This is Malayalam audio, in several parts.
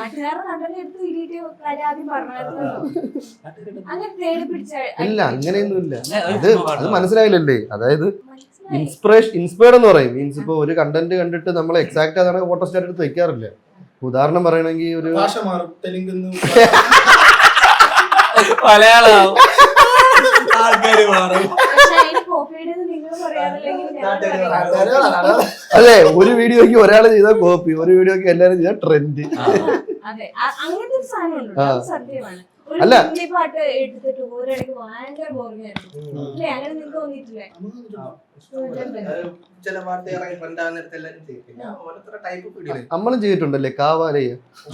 ഇല്ല അങ്ങനെയൊന്നുമില്ല. അത് മനസ്സിലായില്ലല്ലേ? അതായത് ഇൻസ്പയർഡ് എന്ന് പറയും. മീൻസ് ഇപ്പൊ ഒരു കണ്ടന്റ് കണ്ടിട്ട് നമ്മൾ എക്സാക്ട് അതാണ് ഫോട്ടോ സ്റ്റാറ്റ് എടുത്ത് വെക്കാറില്ല. ഉദാഹരണം പറയണെങ്കിൽ ഒരു മലയാളം ആൾക്കാര് മാറും. അതെ, ഒരു വീഡിയോക്ക് ഒരാൾ ചെയ്ത കോപ്പി, ഒരു വീഡിയോക്ക് എല്ലാരും ചെയ്ത ട്രെൻഡ്. അല്ല പാട്ട് എടുത്തിട്ട് ഒരിടയ്ക്ക് ഭയങ്കര ബോറിംഗ് ആയിരുന്നു. അങ്ങനെ നിങ്ങൾക്ക് തോന്നിയിട്ടില്ലേ? നമ്മളും ചെയ്തിട്ടുണ്ടല്ലേ കാവാലയ.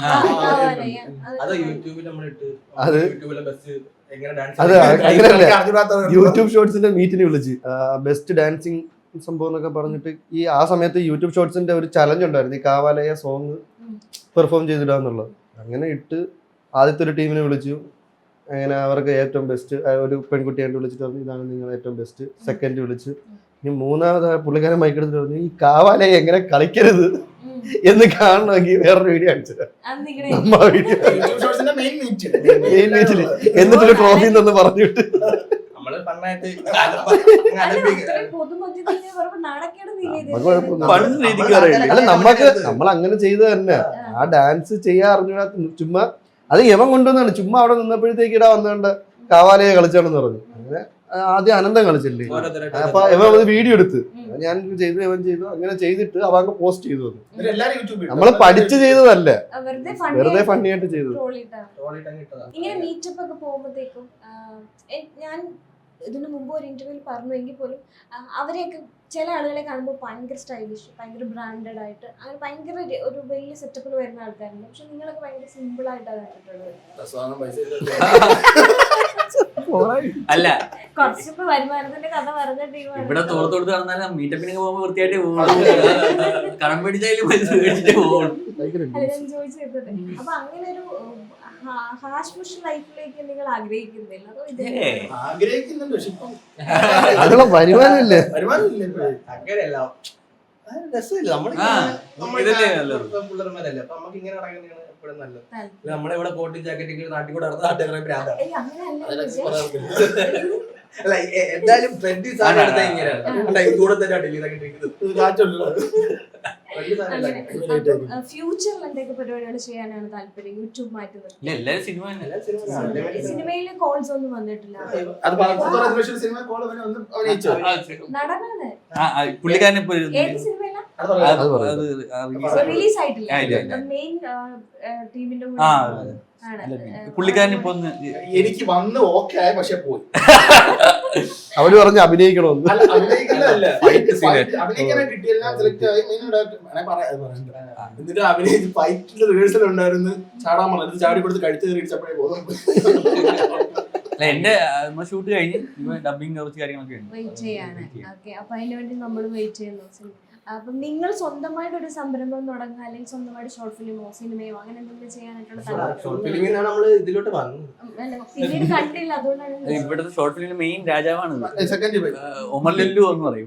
അത് അങ്ങനെയല്ല, യൂട്യൂബ് ഷോർട്സിന്റെ മീറ്റിന് വിളിച്ച് ബെസ്റ്റ് ഡാൻസിങ് സംഭവം എന്നൊക്കെ പറഞ്ഞിട്ട് ആ സമയത്ത് യൂട്യൂബ് ഷോർട്സിന്റെ ഒരു ചലഞ്ച് ഉണ്ടായിരുന്നു, ഈ കാവാലയ സോങ് പെർഫോം ചെയ്തിടാന്നുള്ളത്. അങ്ങനെ ഇട്ട് ആദ്യത്തെ ഒരു ടീമിനെ വിളിച്ചു. അങ്ങനെ അവർക്ക് ഏറ്റവും ബെസ്റ്റ് ഒരു പെൺകുട്ടിയായിട്ട് വിളിച്ചിട്ട് പറഞ്ഞു ഇതാണ് നിങ്ങൾ ഏറ്റവും ബെസ്റ്റ്. സെക്കൻഡ് വിളിച്ചു. ഇനി മൂന്നാമത് പുള്ളിക്കാരൻ മൈക്കെടുത്തിട്ട് പറഞ്ഞു ഈ കാവാലയ എങ്ങനെ കളിക്കരുത് എന്ന് കാണണമെങ്കിൽ വേറൊരു വീഡിയോ അടിച്ചത് എന്നിട്ടൊരു ട്രോഫി എന്ന് പറഞ്ഞിട്ട് അല്ല നമ്മൾ അങ്ങനെ ചെയ്ത് തന്നെ ആ ഡാൻസ് ചെയ്യാൻ അറിഞ്ഞാ ചുമ്മാ അത് യവൻ കൊണ്ടുവന്നാണ്. ചുമ്മാ അവിടെ നിന്നപ്പോഴത്തേക്ക് ഇടാ വന്നുകൊണ്ട് കാവാലയെ കളിച്ചാണെന്ന് പറഞ്ഞു. അങ്ങനെ ആദ്യം അനന്തം കളിച്ചില്ലേ, അപ്പൊ ഇവൻ അത് വീഡിയോ എടുത്ത് ഞാൻ ചെയ്തു, ഇവൻ ചെയ്തു. അങ്ങനെ ചെയ്തിട്ട് അവൻ പോസ്റ്റ് ചെയ്തു. നമ്മള് പഠിച്ചു ചെയ്തതല്ല, വെറുതെ ഫണ്ണിയായിട്ട് ചെയ്തത്. ഇങ്ങനെ മീറ്റപ്പ് ഒക്കെ പോകുമ്പോഴത്തേക്കും ഞാൻ ഇതിനു മുമ്പ് ഒരു ഇന്റർവ്യൂവിൽ പറഞ്ഞുവെങ്കിൽ പോലും അവരെയൊക്കെ ചില ആളുകളെ കാണുമ്പോൾ ഭയങ്കര സ്റ്റൈലിഷ്, ഭയങ്കര ബ്രാൻഡഡ് ആയിട്ട്, അങ്ങനെ ഭയങ്കര ഒരു വലിയ സെറ്റപ്പിൽ വരുന്ന ആൾക്കാരുണ്ട്. പക്ഷെ നിങ്ങളൊക്കെ ഭയങ്കര സിമ്പിൾ ആയിട്ടാണ് കണ്ടിട്ടുള്ളത്. അല്ല കുറച്ചിപ്പോ വരുമാനത്തിന്റെ കഥ പറഞ്ഞ ടീമാണ്. ഇവിടെ തോർത്തു നടന്നാലും മീറ്റപ്പിന് പോകുമ്പോ വൃത്തിയായിട്ട് പോകും, കടം പിടിച്ചാലും പൈസ മേടിച്ചിട്ട് പോകും. അപ്പൊ അങ്ങനെ ഒരു ഹാഷ് ബുഷ് ലൈഫിലേക്ക് നിങ്ങൾ ആഗ്രഹിക്കുന്നില്ല? ആഗ്രഹിക്കുന്നുണ്ട്, പക്ഷെ ഇപ്പം വരുമാനമില്ലേ. അങ്ങനെയല്ല, രസമില്ല. പിള്ളേർമാരല്ലേ, അപ്പൊ നമുക്ക് ഇങ്ങനെ ഇറങ്ങുന്നതാണ് എപ്പോഴും നല്ലത്. നമ്മളെ ഇവിടെ കോട്ടും ജാക്കറ്റ് നാട്ടിൽ കൂടെ നടന്ന നാട്ടുകാരെ പ്രാന്താണ്. അല്ല എന്തായാലും ട്രെൻഡി സാധനം എടുത്താൽ ഇങ്ങനെയാണ് കൂടെ തന്നെ ഫ്യൂച്ചറിൽ എന്തൊക്കെ പരിപാടികൾ ചെയ്യാനാണ് താല്പര്യം? യൂട്യൂബ് മാറ്റി സിനിമയിലെ കോൾസ് ഒന്നും വന്നിട്ടില്ല. നടനാണ് ഏത് സിനിമയിലാണ് റിലീസ് ആയിട്ടില്ല? മെയിൻ ടീമിന്റെ കൂടെ പുള്ളിക്കാരൻ ഇപ്പൊ എനിക്ക് വന്ന് ഓക്കെ ആയ, പക്ഷെ പോയി. അവര് പറഞ്ഞ് അഭിനയിക്കണമെന്ന്. അഭിനയിക്കാനായി കിട്ടിയെല്ലാം സെലക്ട് ആയി. എന്നിട്ട് അഭിനയിച്ച് ഫൈറ്റിന്റെ റിഹേഴ്സൽ ഉണ്ടായിരുന്നു. ചാടാൻ പറഞ്ഞത് ചാടി കൊടുത്ത് കഴുത്ത് കയറിച്ചപ്പോഴേ പോകും. എന്റെ ഷൂട്ട് കഴിഞ്ഞ് ഡബിങ് കുറച്ച് കാര്യങ്ങളൊക്കെ വെയിറ്റ് ചെയ്യാണ്. ഓക്കെ, അപ്പൊ അതിന് വേണ്ടി നമ്മൾ വെയിറ്റ് ചെയ്യുന്നു. അപ്പം നിങ്ങൾ സ്വന്തമായിട്ട് ഒരു സംരംഭം തുടങ്ങുക, അല്ലെങ്കിൽ സ്വന്തമായിട്ട് ഷോർട്ട് ഫിലിമോ സിനിമയോ അങ്ങനെ എന്തെങ്കിലും ചെയ്യാനായിട്ടുള്ള പിന്നീട് കണ്ടില്ല, അതുകൊണ്ടാണ്. ഇവിടുത്തെ ഷോർട്ട് ഫിലിമിന്റെ മെയിൻ രാജാവാണ് ഒമർ ലുല്ലു എന്ന് പറയും.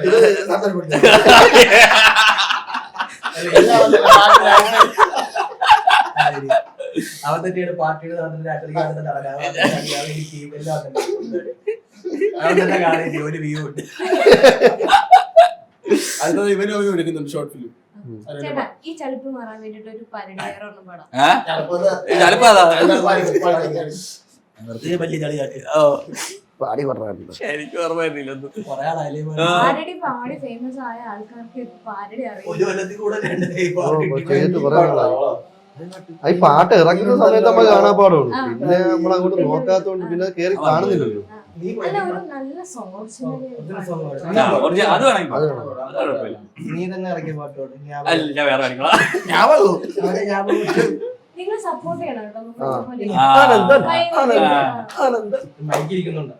അവൻ തന്നെയാണ് പാർട്ടിയുടെ ഒരു വ്യൂ ഉണ്ട്. അടുത്തത് ഇവനും എടുക്കുന്നുണ്ട് ഷോർട്ട് ഫിലിം. ഈ ചളിപ്പ് മാറാൻ വേണ്ടിട്ട് ഒരു പരിപാടി പാടാം. പാടി പറഞ്ഞില്ല, പാരഡി പാടി ഫേമസ് ആയ ആൾക്കാർക്ക് പാരഡി അറിയാം. ഈ പാട്ട് ഇറങ്ങുന്ന സമയത്ത് നമ്മൾ കാണാൻ പാടുള്ളൂ. പിന്നെ നമ്മൾ അങ്ങോട്ട് നോക്കാത്തോണ്ട് പിന്നെ കേറി കാണുന്നില്ലല്ലോ. നീ തന്നെ ഇറക്കിയ പാട്ടോട് നിങ്ങൾ സപ്പോർട്ട് ചെയ്യണം കേട്ടോ. മൈക്കിരിക്കുന്നുണ്ട്.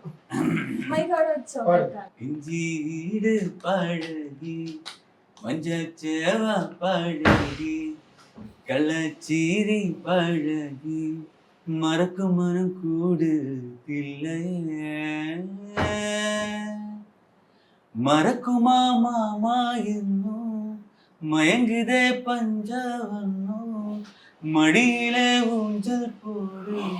ഇഞ്ചീട് പഴകി മഞ്ചേവ പഴകി കള്ളച്ചീരി പഴകി മറക്കും മനം കൂടുത്തില്ലേ മറക്കുമാമായെന്നു മയങ്കിതേ പഞ്ചവന്നു മടിയിലെ ഊഞ്ചൽ പോടും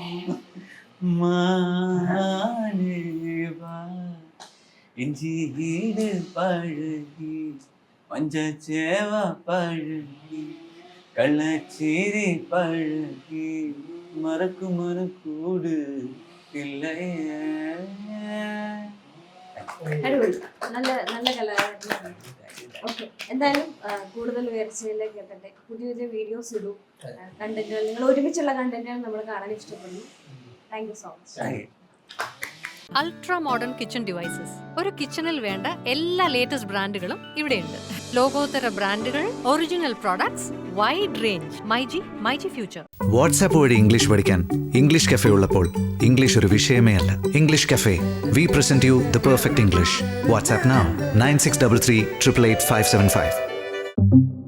മാനേവാ ഇഞ്ചിയുടെ പഴകി മഞ്ചേവ പഴകി കള്ളച്ചേരി പഴകി മറക്കുമനക്കൂട് ഇല്ലയേ. അടിപൊളി, നല്ല നല്ല കലാകാരനാണ്. ഓക്കെ, എന്തായാലും കൂടുതൽ ഉയർച്ചയിലേക്ക് എത്തട്ടെ. പുതിയ പുതിയ വീഡിയോസ് ഇടും, കണ്ടന്റുകൾ, നിങ്ങൾ ഒരുമിച്ചുള്ള കണ്ടന്റുകൾ നമ്മൾ കാണാൻ ഇഷ്ടപ്പെടുന്നു. Thank you so much. Ultra modern kitchen devices. ഒരു കിച്ചണിൽ വേണ്ട എല്ലാ ലേറ്റസ്റ്റ് ബ്രാൻഡുകളും ഇവിടെയുണ്ട്. ലോകോത്തര ബ്രാൻഡുകൾ, original products, wide range. MyG future. WhatsApp വഴി ഇംഗ്ലീഷ് പഠിക്കാൻ ഇംഗ്ലീഷ് കഫേ ഉള്ളപ്പോൾ ഇംഗ്ലീഷ് ഒരു വിഷയമേ അല്ല. English cafe, we present you the perfect English. WhatsApp now 9633 888 575.